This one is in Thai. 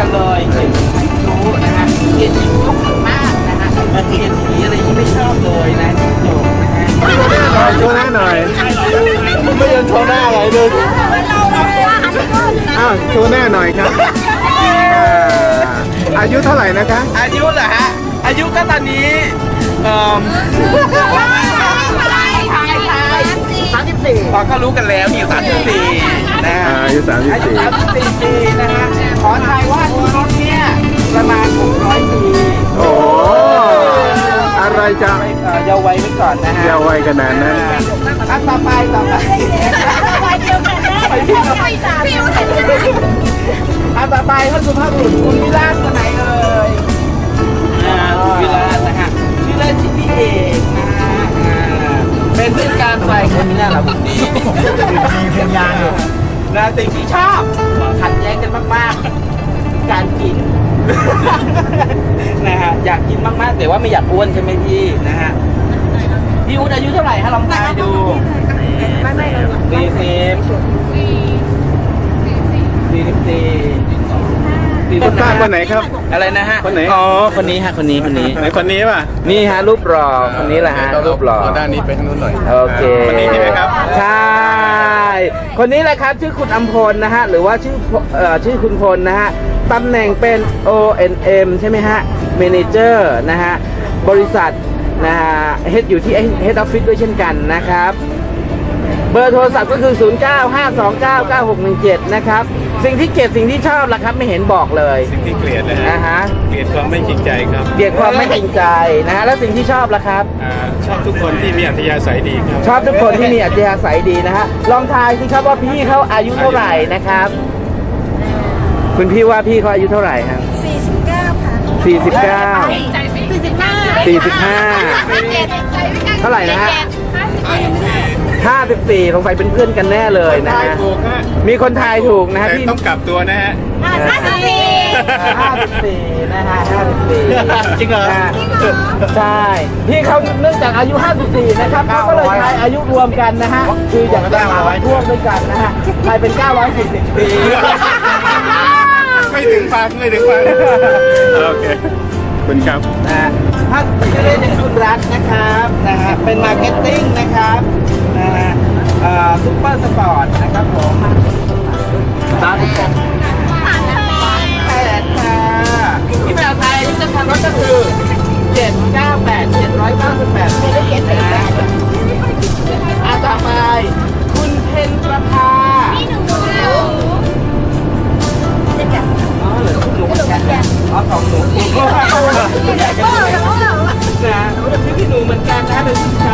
กันเลยเกลียดชิสุนะฮะเกลียดชิสุมากนะฮะเกลียดสีอะไรที่ไม่ชอบเลยนะชิสุนะฮะโชว์หน้าหน่อยไม่ยอมโชว์หน้าอะไรเลยอ้าวโชว์หน้าหน่อยครับอายุเท่าไหร่นะคะอายุเหรอฮะอายุก็ตอนนี้34พอก็รู้กันแล้วมี34นะฮะอายุ34 ปีนะฮะขอทายว่าที่รถเนี่ยประมาณ600 ปีโอ้อะไรจะเยาว์วัยไว้ก่อนนะฮะเยาว์วัยขนาดนั้นต่อไปต่อไปท่านสุภาพบุรุษคุณวิราชคนไหนเลยวิราชนะฮะวิราชที่พี่เอกนะฮะเป็นเพื่อนการไฟคนนี้แหละผมดีเป็นยางอยู่นะสิ่งที่ชอบขัดแย้งกันมากๆการกินนะฮะอยากกินมากๆแต่ว่าไม่อยากอ้วนใช่ไหมพี่นะฮะพี่อุ้นอายุเท่าไหร่ฮะลองทายดูคนป้าคนไหนครับอะไรนะฮะคนไหนอ๋อคนนี้ฮะคนนี้ไหนคนนี้ป่ะนี่ฮะรูปหล่อคนนี้แหละฮะรูปหล่อด้านนี้ไปทางนู้นหน่อยโอเคคนนี้ใช่ไหมครับใช่คนนี้แหละครับชื่อคุณอัมพลนะฮะหรือว่าชื่อคุณพลนะฮะตำแหน่งเป็น ONM ใช่ไหมฮะ Manager นะฮะบริษัทนะฮะอยู่ที่ Head Office ด้วยเช่นกันนะครับเบอร์โทรศัพท์ก็คือ 0952999617 นะครับสิ่งที่เกลียดสิ่งที่ชอบล่ะครับไม่เห็นบอกเลยสิ่งที่เกลียดเลยฮะเกลียดความไม่จริงใจครับเกลียดความไม่จริงใจนะฮะแล้วสิ่งที่ชอบล่ะครับชอบทุกคนที่มีอัธยาศัยดีครับชอบทุกคนที่มีอัธยาศัยดีนะฮะลองทายสิครับว่าพี่เขาอายุเท่าไหร่นะครับคุณพี่ว่าพี่เขาอายุเท่าไหร่ครับ 49ค่ะ 45เท่าไหร่นะฮะ54สงสัยเป็นเพื่อนกันแน่เลยนะฮะมีคนทายถูกนะฮะพี่ต้องกลับตัวนะฮะ 54นะฮะ54 จริงเหรอใช่พี่เขาเนื่องจากอายุ54นะครับเขาก็เลยทายอายุรวมกันนะฮะคืออยากจะมาร่วมด้วยกันนะฮะทายเป็น940 ปีไม่ถึงฟังโอเคคุณครับนะฮะถ้าชื่อเล่นเป็นคุณรัฐนะครับนะฮะเป็นมาร์เก็ตติ้งนะครับนะฮะซุปเปอร์สปอร์ตนะครับผม38ค่ะที่แมวไทยที่จะทำรถก็คือ798ไม่ได้เขียนเลยนะต่อไปคุณเพนประภาอ๋อ2 หนูนะชื่อพี่หนูเหมือนกันนะเป็น